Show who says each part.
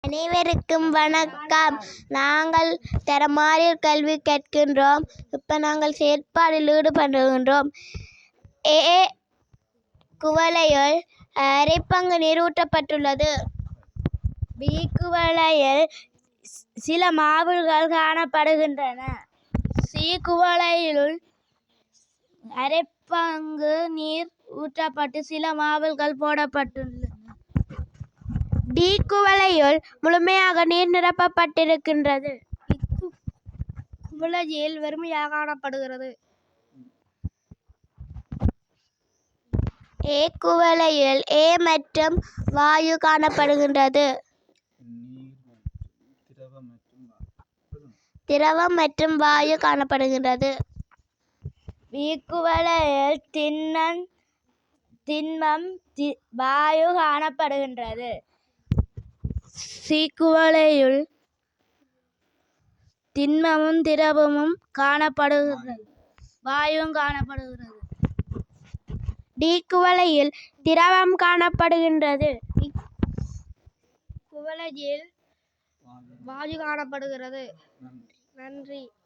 Speaker 1: அனைவருக்கும் வணக்கம். நாங்கள் தரமாறியல் கல்வி கற்கின்றோம். இப்போ நாங்கள் செயற்பாடில் ஈடுபடுகின்றோம். ஏ குவளையில் அரைப்பங்கு நீர் ஊற்றப்பட்டுள்ளது. பி குவளையில் சில மாவுகள் காணப்படுகின்றன. சி குவளையில் அரைப்பங்கு நீர் ஊற்றப்பட்டு சில மாவுகள் போடப்பட்டுள்ளன. டி குவளையில் முழுமையாக நீர் நிரப்பப்பட்டிருக்கின்றது. குவளையில் வெறுமையாக காணப்படுகிறது. ஏ குவளையில் ஏ மற்றும் வாயு காணப்படுகின்றது. திரவம் மற்றும் வாயு காணப்படுகின்றது. பி குவளையில் திண்மம் வாயு காணப்படுகின்றது. சி குவளையில் திண்மமும் திரவமும் காணப்படுகிறது, வாயுவும் காணப்படுகிறது. டி குவளையில் திரவம் காணப்படுகின்றது. குவளையில் வாயு காணப்படுகிறது. நன்றி.